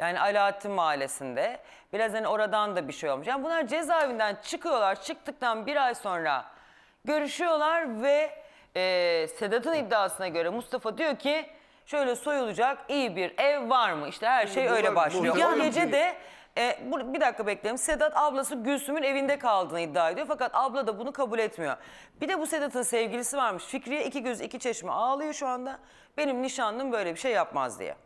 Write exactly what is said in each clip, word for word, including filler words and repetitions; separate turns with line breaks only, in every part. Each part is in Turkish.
Yani Alaaddin Mahallesi'nde. Biraz hani oradan da bir şey olmuş. Yani bunlar cezaevinden çıkıyorlar. Çıktıktan bir ay sonra görüşüyorlar ve e, Sedat'ın iddiasına göre Mustafa diyor ki şöyle soyulacak iyi bir ev var mı? İşte her şey öyle başlıyor. O gece de e, bu, bir dakika bekleyelim. Sedat ablası Gülsüm'ün evinde kaldığını iddia ediyor. Fakat abla da bunu kabul etmiyor. Bir de bu Sedat'ın sevgilisi varmış. Fikriye iki göz iki çeşme ağlıyor şu anda. Benim nişanlım böyle bir şey yapmaz diye.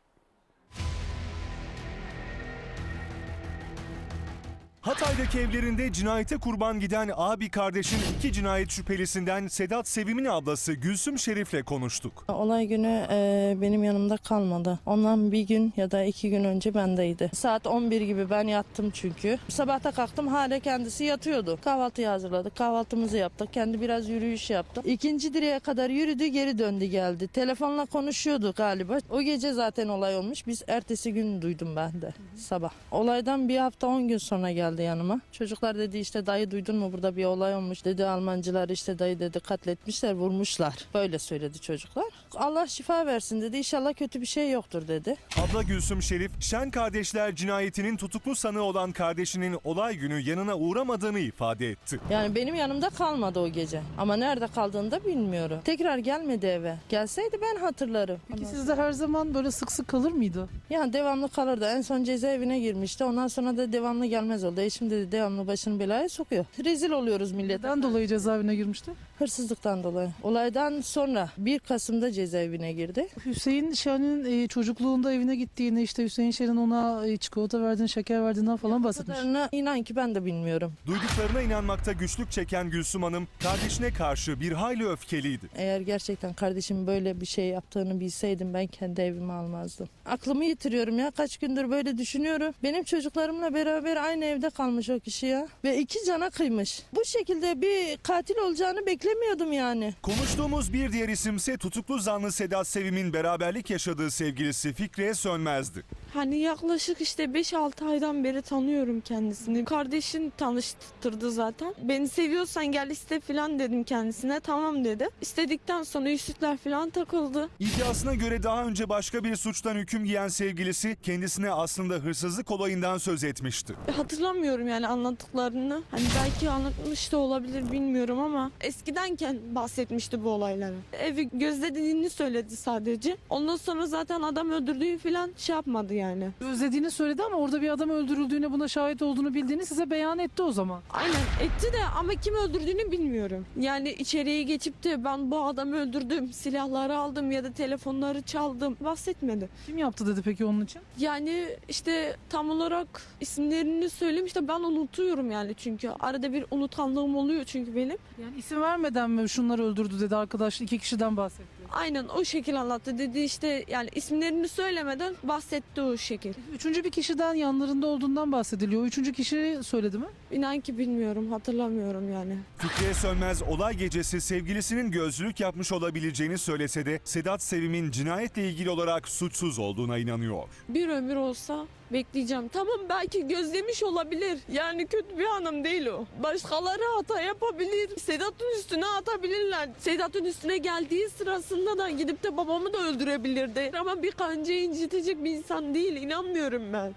Hatay'daki evlerinde cinayete kurban giden abi kardeşin iki cinayet şüphelisinden Sedat Sevim'in ablası Gülsüm Şerif'le konuştuk.
Olay günü e, benim yanımda kalmadı. Ondan bir gün ya da iki gün önce bendeydi. Saat on bir gibi ben yattım çünkü. Sabahta kalktım hala kendisi yatıyordu. Kahvaltıyı hazırladık, kahvaltımızı yaptık. Kendi biraz yürüyüş yaptı. İkinci direğe kadar yürüdü, geri döndü geldi. Telefonla konuşuyordu galiba. O gece zaten olay olmuş. Biz ertesi gün duydum ben de sabah. Olaydan bir hafta on gün sonra geldi yanıma. Çocuklar dedi işte dayı duydun mu burada bir olay olmuş dedi. Almancılar işte dayı dedi katletmişler, vurmuşlar. Böyle söyledi çocuklar. Allah şifa versin dedi. İnşallah kötü bir şey yoktur dedi.
Abla Gülsüm Şerif, Şen kardeşler cinayetinin tutuklu sanığı olan kardeşinin olay günü yanına uğramadığını ifade etti.
Yani benim yanımda kalmadı o gece. Ama nerede kaldığını da bilmiyorum. Tekrar gelmedi eve. Gelseydi ben hatırlarım.
Peki sizde her zaman böyle sık sık kalır mıydı?
Yani devamlı kalırdı. En son cezaevine girmişti. Ondan sonra da devamlı gelmez oldu. Eşim dedi devamlı başını belaya sokuyor. Rezil oluyoruz millete.
Neden dolayı cezaevine girmişti?
Hırsızlıktan dolayı. Olaydan sonra bir Kasım'da cezaevine girdi.
Hüseyin Şen'in e, çocukluğunda evine gittiğini, işte Hüseyin Şen'in ona e, çikolata verdiğini, şeker verdiğinden falan bahsetmiş.
Kadarına inan ki ben de bilmiyorum.
Duyduklarına inanmakta güçlük çeken Gülsüm Hanım, kardeşine karşı bir hayli öfkeliydi.
Eğer gerçekten kardeşim böyle bir şey yaptığını bilseydim ben kendi evimi almazdım. Aklımı yitiriyorum ya. Kaç gündür böyle düşünüyorum. Benim çocuklarımla beraber aynı evde kalmış o kişi ya. Ve iki cana kıymış. Bu şekilde bir katil olacağını beklemiyordum yani.
Konuştuğumuz bir diğer isimse tutuklu zanlı Sedat Sevim'in beraberlik yaşadığı sevgilisi Fikriye Sönmez'di.
Hani yaklaşık işte beş altı aydan beri tanıyorum kendisini. Kardeşin tanıştırdı zaten. Beni seviyorsan gel iste falan dedim kendisine. Tamam dedi. İstedikten sonra yüzükler falan takıldı.
İddiasına göre daha önce başka bir suçtan hüküm giyen sevgilisi kendisine aslında hırsızlık olayından söz etmişti.
Hatırlamıyorum yani anlattıklarını. Hani belki anlatmış da olabilir bilmiyorum ama eskidenken bahsetmişti bu olayları. Evi gözlediğini söyledi sadece. Ondan sonra zaten adam öldürdüğü falan şey yapmadı yani.
Özlediğini söyledi ama orada bir adam öldürüldüğüne, buna şahit olduğunu bildiğini size beyan etti o zaman.
Aynen etti de ama kim öldürdüğünü bilmiyorum. Yani içeriye geçip de ben bu adamı öldürdüm, silahları aldım ya da telefonları çaldım bahsetmedi.
Kim yaptı dedi peki onun için?
Yani işte tam olarak isimlerini söylemiş de ben unutuyorum yani çünkü arada bir unutanlığım oluyor çünkü benim.
Yani isim vermeden mi şunları öldürdü dedi arkadaş, iki kişiden bahsetti.
Aynen o şekil anlattı dedi işte yani isimlerini söylemeden bahsetti o şekil.
Üçüncü bir kişiden yanlarında olduğundan bahsediliyor. O üçüncü kişi söyledi mi?
İnan ki bilmiyorum hatırlamıyorum yani.
Fikriye Sönmez olay gecesi sevgilisinin gözlülük yapmış olabileceğini söylese de Sedat Sevim'in cinayetle ilgili olarak suçsuz olduğuna inanıyor.
Bir ömür olsa bekleyeceğim. Tamam belki gözlemiş olabilir. Yani kötü bir hanım değil o. Başkaları hata yapabilir. Sedat'ın üstüne atabilirler. Sedat'ın üstüne geldiği sırasında da gidip de babamı da öldürebilirdi. Ama bir kancayı incitecek bir insan değil. İnanmıyorum ben.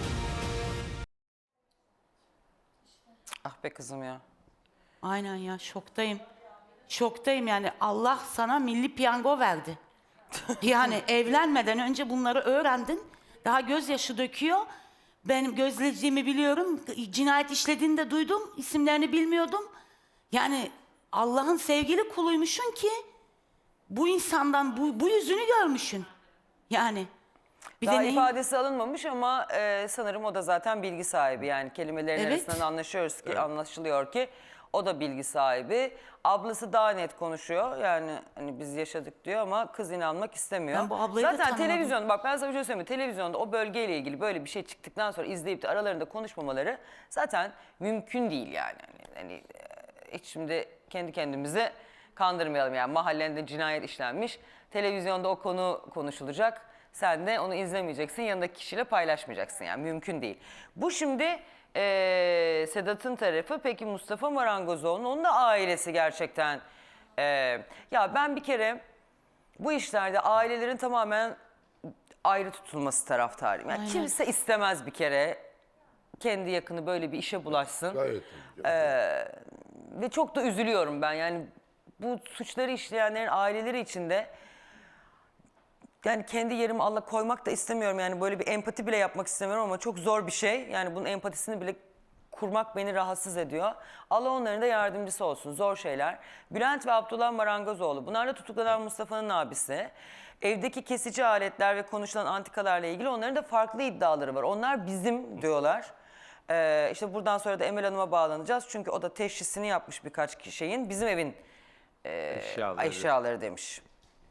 Ah be kızım ya.
Aynen ya, şoktayım. Şoktayım yani, Allah sana milli piyango verdi. Yani evlenmeden önce bunları öğrendin. Daha gözyaşı döküyor. Ben gözlediğimi biliyorum. Cinayet işlediğini de duydum. İsimlerini bilmiyordum. Yani Allah'ın sevgili kuluymuşsun ki bu insandan bu, bu yüzünü görmüşsün. Yani bir
Daha
de neyin-
ifadesi alınmamış ama e, sanırım o da zaten bilgi sahibi. Yani kelimelerin
Evet.
arasından anlaşıyoruz ki, anlaşılıyor ki o da bilgi sahibi. Ablası daha net konuşuyor. Yani hani biz yaşadık diyor ama kız inanmak istemiyor.
Ben bu ablayı da
Zaten
tanımadım.
televizyon, bak ben sana bir şey söyleyeyim mi? Televizyonda o bölgeyle ilgili böyle bir şey çıktıktan sonra izleyip de aralarında konuşmamaları zaten mümkün değil yani. Hani, hani e, hiç şimdi kendi kendimizi kandırmayalım yani. Mahallende cinayet işlenmiş. Televizyonda o konu konuşulacak. Sen de onu izlemeyeceksin, yanındaki kişiyle paylaşmayacaksın yani mümkün değil. Bu şimdi e, Sedat'ın tarafı. Peki Mustafa Marangozoğlu'nun, onun da ailesi gerçekten. E, ya ben bir kere bu işlerde ailelerin tamamen ayrı tutulması taraftarıyım. Yani
Aynen.
kimse istemez bir kere kendi yakını böyle bir işe bulaşsın.
Gayet.
Ve çok da üzülüyorum ben. Yani bu suçları işleyenlerin aileleri içinde yani kendi yerimi Allah koymak da istemiyorum. Yani böyle bir empati bile yapmak istemiyorum ama çok zor bir şey. Yani bunun empatisini bile kurmak beni rahatsız ediyor. Allah onların da yardımcısı olsun. Zor şeyler. Bülent ve Abdullah Marangozoğlu. Bunlar da tutuklanan Mustafa'nın abisi. Evdeki kesici aletler ve konuşulan antikalarla ilgili onların da farklı iddiaları var. Onlar bizim diyorlar. Ee, işte buradan sonra da Emel Hanım'a bağlanacağız. Çünkü o da teşhisini yapmış birkaç şeyin. Bizim evin e,
Eşyaları.
eşyaları demiş.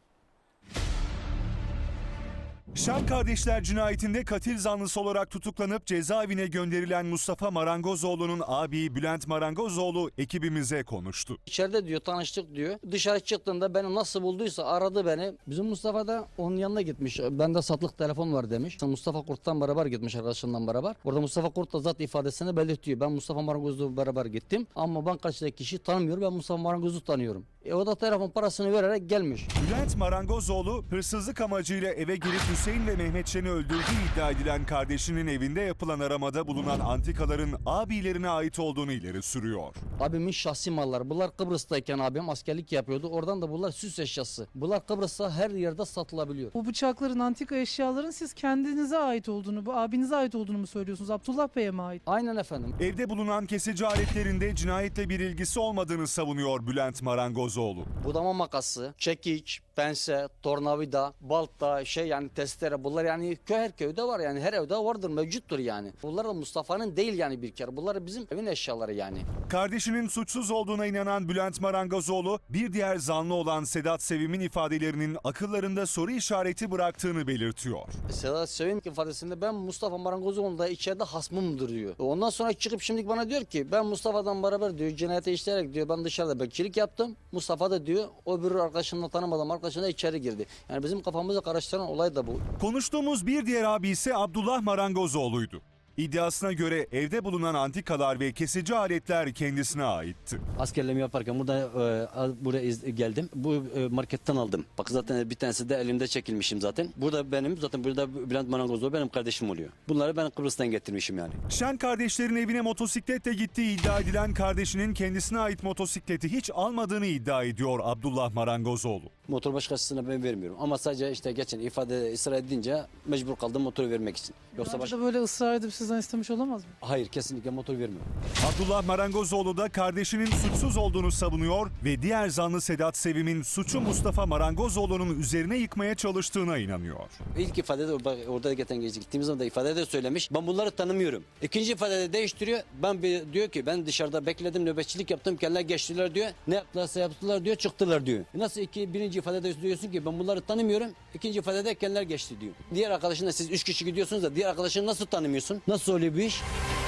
Şen kardeşler cinayetinde katil zanlısı olarak tutuklanıp cezaevine gönderilen Mustafa Marangozoğlu'nun abi Bülent Marangozoğlu ekibimize konuştu.
İçeride diyor tanıştık diyor. Dışarı çıktığında beni nasıl bulduysa aradı beni. Bizim Mustafa da onun yanına gitmiş. Bende satılık telefon var demiş. Mustafa Kurt'tan beraber gitmiş arkadaşlarından beraber. Orada Mustafa Kurt da zat ifadesini belirtiyor. Ben Mustafa Marangoz'la beraber gittim. Ama ben karşıdaki kişiyi tanımıyorum. Ben Mustafa Marangoz'u tanıyorum. E o da telefon parasını vererek gelmiş.
Bülent Marangozoğlu hırsızlık amacıyla eve girip Hüseyin ve Mehmetçen'i öldürdüğü iddia edilen kardeşinin evinde yapılan aramada bulunan antikaların abilerine ait olduğunu ileri sürüyor.
Abimin şahsi malları. Bunlar Kıbrıs'tayken abim askerlik yapıyordu. Oradan da bunlar süs eşyası. Bunlar Kıbrıs'ta her yerde satılabiliyor.
O bıçakların, antika eşyaların siz kendinize ait olduğunu, bu abinize ait olduğunu mu söylüyorsunuz? Abdullah Bey'e mi ait?
Aynen efendim.
Evde bulunan kesici aletlerinde cinayetle bir ilgisi olmadığını savunuyor Bülent Marangozoğlu.
Budama makası, çekiç, pense, tornavida, balta, şey yani testere bunlar yani köy her köyde var yani her evde vardır mevcuttur yani. Bunlar da Mustafa'nın değil yani bir kere. Bunlar bizim evin eşyaları yani.
Kardeşinin suçsuz olduğuna inanan Bülent Marangozoğlu bir diğer zanlı olan Sedat Sevim'in ifadelerinin akıllarında soru işareti bıraktığını belirtiyor.
Sedat Sevim ifadesinde ben Mustafa Marangozoğlu da içeride hasmımdır diyor. Ondan sonra çıkıp şimdi bana diyor ki ben Mustafa'dan beraber diyor cinayete işleyerek diyor ben dışarıda bekçilik yaptım. Mustafa da diyor o bir arkadaşımla tanımadım arkadaşına içeri girdi. Yani bizim kafamızı karıştıran olay da bu.
Konuştuğumuz bir diğer abi ise Abdullah Marangozoğlu'ydu. İddiasına göre evde bulunan antikalar ve kesici aletler kendisine aitti.
Askerliğimi yaparken burada e, buraya iz- geldim. Bu e, marketten aldım. Bak zaten bir tanesi de elimde çekilmişim zaten. Burada benim zaten burada Bülent Marangozoğlu benim kardeşim oluyor. Bunları ben Kıbrıs'tan getirmişim yani.
Şen kardeşlerin evine motosikletle gittiği iddia edilen kardeşinin kendisine ait motosikleti hiç almadığını iddia ediyor Abdullah Marangozoğlu.
Motor başkasına ben vermiyorum. Ama sadece işte geçen ifade ısrar edince mecbur kaldım motoru vermek için. Yoksa
Yoksa
başka...
da böyle ısrar edip sizden istemiş olamaz mı?
Hayır kesinlikle motor vermiyorum.
Abdullah Marangozoğlu da kardeşinin suçsuz olduğunu savunuyor ve diğer zanlı Sedat Sevim'in suçu Mustafa Marangozoğlu'nun üzerine yıkmaya çalıştığına inanıyor.
İlk ifadede orada, orada geçen gece gittiğimiz zaman da ifadede söylemiş. Ben bunları tanımıyorum. İkinci ifadede değiştiriyor. Ben bir, diyor ki ben dışarıda bekledim nöbetçilik yaptım. Kendiler geçtiler diyor. Ne yaptılarsa yaptılar diyor çıktılar diyor. Nasıl iki birinci ifadede diyorsun ki ben bunları tanımıyorum. İkinci ifadede kendiler geçti diyor. Diğer arkadaşınla siz üç kişi gidiyorsunuz da diğer arkadaşını nasıl tanımıyorsun? Nasıl oluyor bu iş?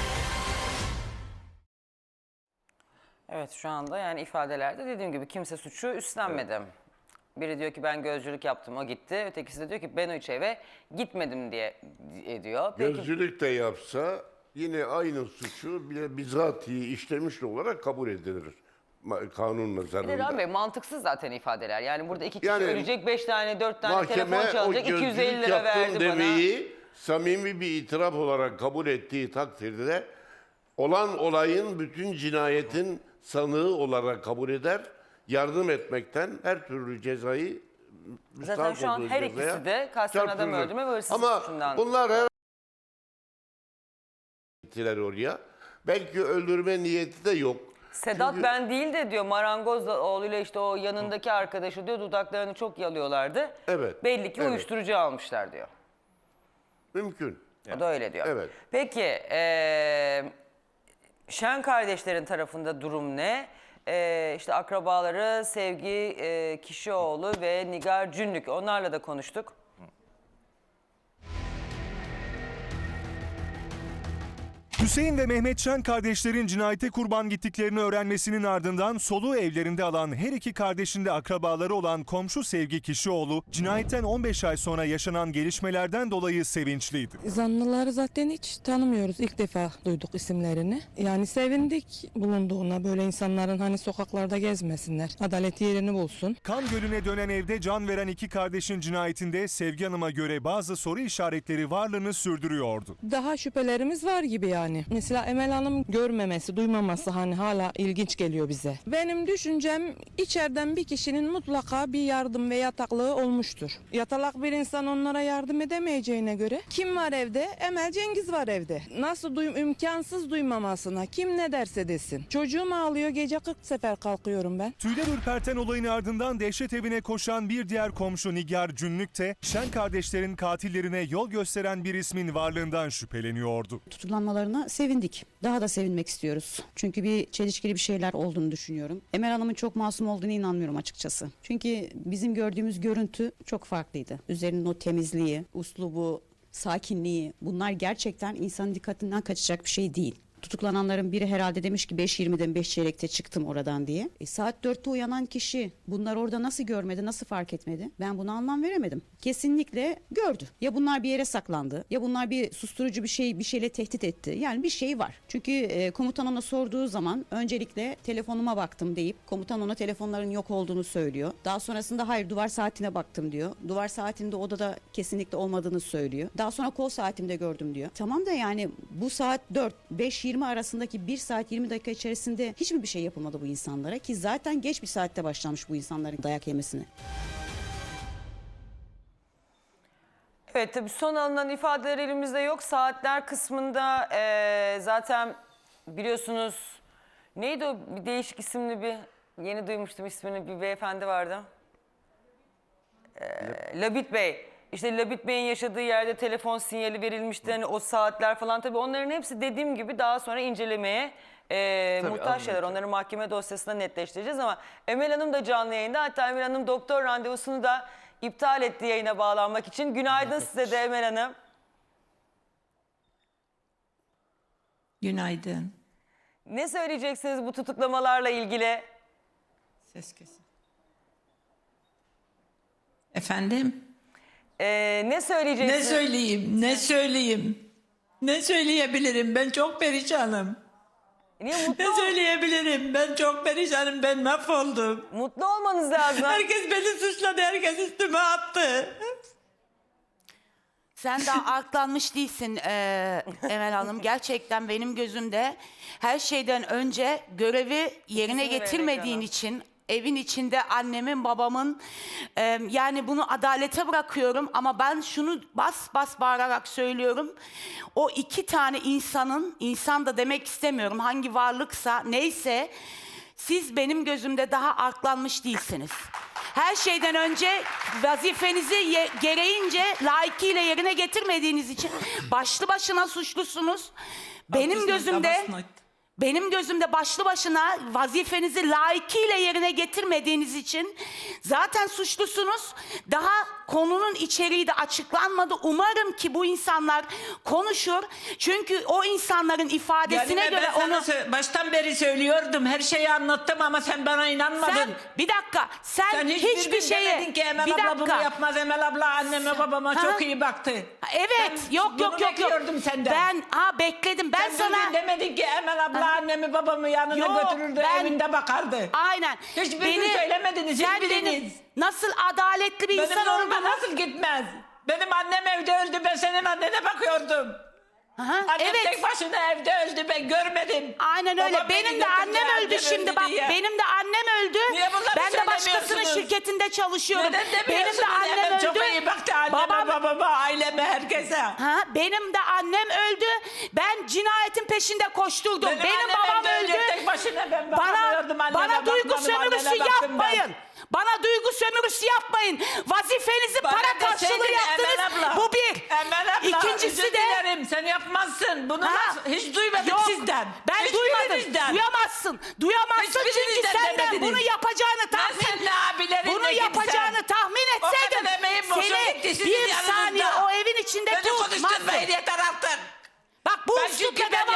Evet şu anda yani ifadelerde dediğim gibi kimse suçu üstlenmedi. Biri diyor ki ben gözcülük yaptım o gitti. Ötekisi de diyor ki ben hiç eve gitmedim diye ediyor. Peki,
Gözcülük de yapsa yine aynı suçu bile bizatihi işlemiş olarak kabul edilir. Ma- Kanun
bir de Rahmi
nazarında.
Bey mantıksız zaten ifadeler. Yani burada iki kişi
Yani
ölecek, beş tane, dört tane telefon
Mahkeme o
çalacak, iki yüz elli
gözcülük
lira verdi
yaptım
bana.
demeyi samimi bir itiraf olarak kabul ettiği takdirde olan olayın bütün cinayetin sanığı olarak kabul eder. Yardım etmekten her türlü cezayı
Zaten
müstahak
şu an
olduğu
her
cezaya
ikisi de kasten adam
çarptırılır.
öldürme ve hırsızlık
Ama
suçundan.
bunlar her gittiler oraya. Belki öldürme niyeti de yok.
Sedat
Çünkü-
ben değil de diyor marangoz oğluyla işte o yanındaki arkadaşı diyor dudaklarını çok yalıyorlardı.
Evet,
Belli ki
evet.
uyuşturucu almışlar diyor.
Mümkün.
O da öyle diyor.
Evet.
Peki eee Şen kardeşlerin tarafında durum ne? Eee işte akrabaları Sevgi eee, Kişioğlu ve Nigar Cünlük onlarla da konuştuk.
Hüseyin ve Mehmetcan kardeşlerin cinayete kurban gittiklerini öğrenmesinin ardından soluğu evlerinde alan her iki kardeşin de akrabaları olan komşu Sevgi Kişioğlu, cinayetten on beş ay sonra yaşanan gelişmelerden dolayı sevinçliydi.
Zanlıları zaten hiç tanımıyoruz. İlk defa duyduk isimlerini. Yani sevindik bulunduğuna, böyle insanların hani sokaklarda gezmesinler. Adalet yerini bulsun.
Kan Gölü'ne dönen evde can veren iki kardeşin cinayetinde Sevgi Hanım'a göre bazı soru işaretleri varlığını sürdürüyordu.
Daha şüphelerimiz var gibi yani. Mesela Emel Hanım görmemesi, duymaması hani hala ilginç geliyor bize. Benim düşüncem içeriden bir kişinin mutlaka bir yardım ve yataklığı olmuştur. Yatalak bir insan onlara yardım edemeyeceğine göre kim var evde? Emel Cengiz var evde. Nasıl duyum imkansız duymamasına kim ne derse desin. Çocuğum ağlıyor, gece kırk sefer kalkıyorum ben.
Tüyler ürperten olayın ardından dehşet evine koşan bir diğer komşu Nigar Cünlük de Şen kardeşlerin katillerine yol gösteren bir ismin varlığından şüpheleniyordu.
Tutuklanmalarına sevindik. Daha da sevinmek istiyoruz. Çünkü bir çelişkili bir şeyler olduğunu düşünüyorum. Emel Hanım'ın çok masum olduğunu inanmıyorum açıkçası. Çünkü bizim gördüğümüz görüntü çok farklıydı. Üzerinin o temizliği, uslubu, sakinliği, bunlar gerçekten insanın dikkatinden kaçacak bir şey değil. Tutuklananların biri herhalde demiş ki beş yirmiden beş çeyrekte çıktım oradan diye. E, saat dörtte uyanan kişi bunlar orada nasıl görmedi, nasıl fark etmedi? Ben buna anlam veremedim. Kesinlikle gördü. Ya bunlar bir yere saklandı, ya bunlar bir susturucu bir şey bir şeyle tehdit etti. Yani bir şey var. Çünkü e, komutan ona sorduğu zaman öncelikle telefonuma baktım deyip komutan ona telefonların yok olduğunu söylüyor. Daha sonrasında hayır duvar saatine baktım diyor. Duvar saatinde odada kesinlikle olmadığını söylüyor. Daha sonra kol saatimde gördüm diyor. Tamam da yani bu saat dört beş yirmi arasındaki bir saat yirmi dakika içerisinde hiç mi bir şey yapılmadı bu insanlara ki zaten geç bir saatte başlamış bu insanların dayak yemesine.
Evet, tabii son alınan ifadeler elimizde yok. Saatler kısmında eee, zaten biliyorsunuz neydi o bir değişik isimli bir yeni duymuştum ismini bir beyefendi vardı. Eee, Labit Bey. İşte Labit Bey'in yaşadığı yerde telefon sinyali verilmişti. Hani o saatler falan tabii onların hepsi dediğim gibi daha sonra incelemeye e, muhtaç şeyler. Onları mahkeme dosyasında netleştireceğiz ama Emel Hanım da canlı yayında. Hatta Emel Hanım doktor randevusunu da iptal etti yayına bağlanmak için. Günaydın size de Emel Hanım.
Günaydın.
Ne söyleyeceksiniz bu tutuklamalarla ilgili?
Ses kesin. Efendim?
Ee, ne söyleyeceksiniz?
Ne söyleyeyim? Ne söyleyeyim? Ne söyleyebilirim? Ben çok perişanım.
Niye mutlu,
Ne
ol-
söyleyebilirim? Ben çok perişanım. Ben mahvoldum.
mutlu olmanız lazım.
Herkes beni suçladı. Herkes üstüme attı.
Sen daha aklanmış değilsin eee Emel Hanım. Gerçekten benim gözümde her şeyden önce görevi yerine
İzin
getirmediğin
vererek
için evin içinde annemin babamın eee, yani bunu adalete bırakıyorum ama ben şunu bas bas bağırarak söylüyorum. O iki tane insanın, insan da demek istemiyorum hangi varlıksa neyse siz benim gözümde daha aklanmış değilsiniz. Her şeyden önce vazifenizi ye- gereğince layıkıyla yerine getirmediğiniz için başlı başına suçlusunuz. Benim
Haklısın,
gözümde
babasına-
benim gözümde başlı başına vazifenizi layıkıyla yerine getirmediğiniz için zaten suçlusunuz. Daha konunun içeriği de açıklanmadı. Umarım ki bu insanlar konuşur. Çünkü o insanların ifadesine
Yani
göre
ben sana
onu...
sö- baştan beri söylüyordum. Her şeyi anlattım ama sen bana inanmadın.
Sen bir dakika sen,
Sen
hiçbir,
hiçbir gün
şeye
demedin ki Emel
bir
abla bunu
dakika.
yapmaz. Emel abla anneme babama
Ha?
çok iyi baktı.
Evet
Ben
yok
bunu
yok yok yok.
bekliyordum senden.
Ben ha bekledim. Ben
Sen
sana
bir gün demedin ki Emel abla annemi babamı yanına
Yok,
götürürdü
ben-
evinde bakardı.
aynen.
Hiçbir gün söylemediniz,
sen
hiçbiriniz.
benim nasıl adaletli bir
Benim
insan
zoruma
olduğumu...
nasıl gitmez? Benim annem evde öldü, ben senin annene bakıyordum.
Aha,
Annem
evet.
tek başına evde öldü, ben görmedim.
Aynen öyle.
Babam beni
Benim de
götürdü,
annem öldü
annem
şimdi
öldü
bak.
diye.
Benim de annem öldü.
Niye bunları
Ben de başkasının
söylemiyorsunuz?
şirketinde çalışıyorum.
Neden
Benim
demiyorsunuz?
de annem
Emel
öldü.
çok iyi baktı anneme,
Babam-
babama, aileme, herkese.
Ha, benim de annem öldü. Ben cinayetin peşinde koşturdum. Benim,
Benim, annem
babam
evde
öldü.
tek başına ben
Bana
bakamıyordum anneme,
bana duygu
bakmadım,
sömürüsü
annene baktım
yapmayın.
ben.
Bana duygu sömürüsü yapmayın. Vazifenizi
Bana
para karşılığı
deseydin
yaptınız.
Emel abla,
Bu bir.
Emel abla,
İkincisi
özür
de
dilerim, sen yapmazsın. Bunu
Ha,
nasıl- hiç duymadık
yok,
sizden.
Ben duymadım.
Hiçbirinizden.
Duyamazsın. Duyamazsın çünkü
Hiçbirinizden
senden
demediniz.
bunu yapacağını
Ben
tahmin
senin abilerinle
bunu
gitsen,
yapacağını tahmin
o kadar
etseydim
emeğim boşa
seni
gitti sizin
bir
yanınızda.
saniye o evin içinde
Beni
tutmazdım.
konuşturmayın yeter artık.
Bak bu
Ben
üslupla
çünkü ben
devam
yapmadım.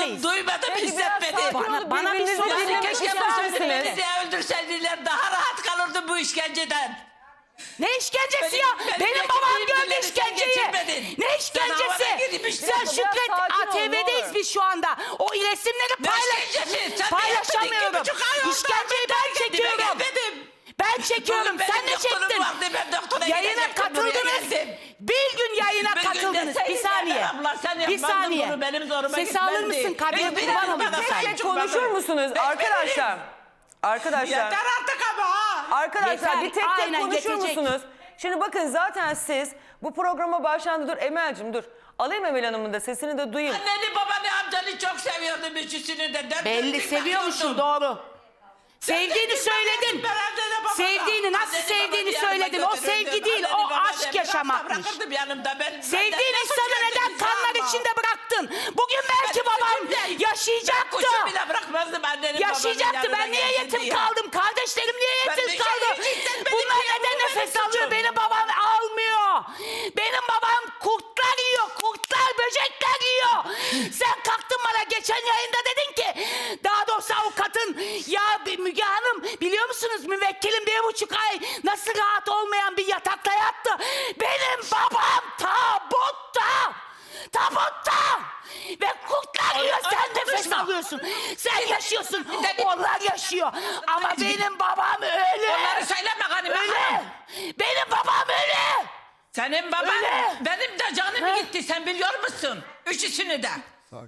Duymadım, duymadım,
Peki, biraz
hissetmedim.
sakin
Bana-
olup
bana bir
birbirinizi
soru
dinlemek
keşke
ister
bana
misiniz?
Beni de öldürseydiler daha rahat kalırdım bu işkenceden.
Ne işkencesi
Benim-
ya?
benim
Benim,
geçirdiğim
babam gördü
günleri sen
işkenceyi.
geçirmedin.
Ne
Sen
işkencesi?
havada gidip işte-
Sen
Biraz
Şükret
sakin ol,
A T
ne
V'deyiz
olur.
biz şu anda. O resimleri
Ne
paylaş
işkencesi? Sen
paylaşamıyorum.
bir buçuk ay oldu.
İşkenceyi
Ben
ben
kendime
çekiyorum.
gelmedim.
Ben çekiyorum.
Bugün
Sen
benim
ne
doktorum
çektin?
vardı, ben doktora
Yayına
gidecektim, buraya
katıldınız.
geldim.
Bir gün yayına
Bir gün
katıldınız.
deseydin
Bir saniye.
ya, abla, sen
Bir
yapmazdın
saniye.
bunu, benim zoruma
Sesi alır
gitmezdi.
mısın? Kadriye
Bir-
kurban
bir-
olayım
bir-
bir
bir-
saniye.
Tek konuşur musunuz
Bekle
arkadaşlar? Arkadaşlar.
Yeter artık ama ha.
Arkadaşlar
Yeter,
bir tek tek
aynen,
konuşur
yetecek.
musunuz? Şimdi bakın zaten siz bu programa başlandı. Dur Emel'cim dur. Alayım Emel Hanım'ın da sesini de duyayım.
Anneni babanı amcanı çok seviyordum üçüsünü de. Dört
Belli
dörtlük
seviyormuşsun,
bakıyordum.
doğru. Sevdiğini
Sen de
söyledin.
ben annene babana.
Sevdiğini, nasıl
Anneni
sevdiğini
babanı yanıma
söyledin. O
götürürdüm.
sevgi değil,
Anneni
o
babanı
aşk
bırak-
yaşamakmış.
Bırakırdım yanımda. Ben,
Sevdiğin
benden ne
insanı
suç
neden
geldiniz
kanlar
ama?
içinde bıraktın? Bugün belki
Ben
babam
suçum değil.
yaşayacaktı.
Kuşu bile bırakmazdım annenin
Yaşayacaktı.
babanın
Ben
yanına
niye
gelsin
yetim
diye.
kaldım? Kardeşlerim niye
Ben
yetim
de
kaldı?
hiç hissetmedim
Bunlar
ya,
neden
bu benim
nefes alıyor?
suçum.
Benim babam almıyor. Benim babam kurtlar yiyor. Kurtlar, böcekler yiyor. Sen kalktın bana geçen yayında dedin ki, daha doğrusu avukatın, ya Müge Hanım biliyor musunuz müvekkilim bir buçuk ay nasıl rahat olmayan bir yatakta yattı. Benim babam tabutta. Tabutta. Ve kurtlar yiyor,
Ay,
sen
ay,
nefes
konuşma.
alıyorsun. Sen yaşıyorsun,
de-
onlar yaşıyor. Ama benim babam ölü.
Onları söyleme hanım.
Ölü. Benim babam ölü.
Senin baban
Öyle.
benim de canım
Ha?
gitti, sen biliyor musun? Üçüsünü de.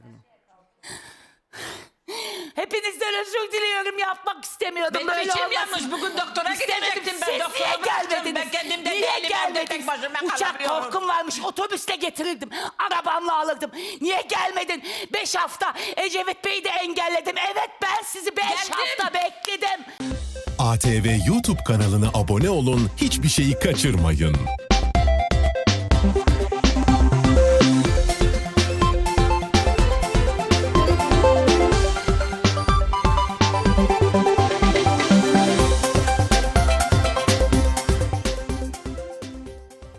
Hepinizden özür diliyorum, yapmak istemiyordum.
Benim
Böyle
içim
olmasın.
yanmış. Bugün doktora
İstemedim.
gidecektim ben.
Siz
Doktora
niye
bıraktım.
gelmediniz?
Ben kendimde
Niye
değilim. Evde
gelmediniz?
tek başıma
Uçak
kalamıyorum.
korkum varmış. Otobüste getirirdim. Arabamla alırdım. Niye gelmedin? Beş hafta Ecevit Bey'i de engelledim. Evet, ben sizi beş
Geldim.
hafta bekledim.
A T V YouTube kanalına abone olun, hiçbir şeyi kaçırmayın.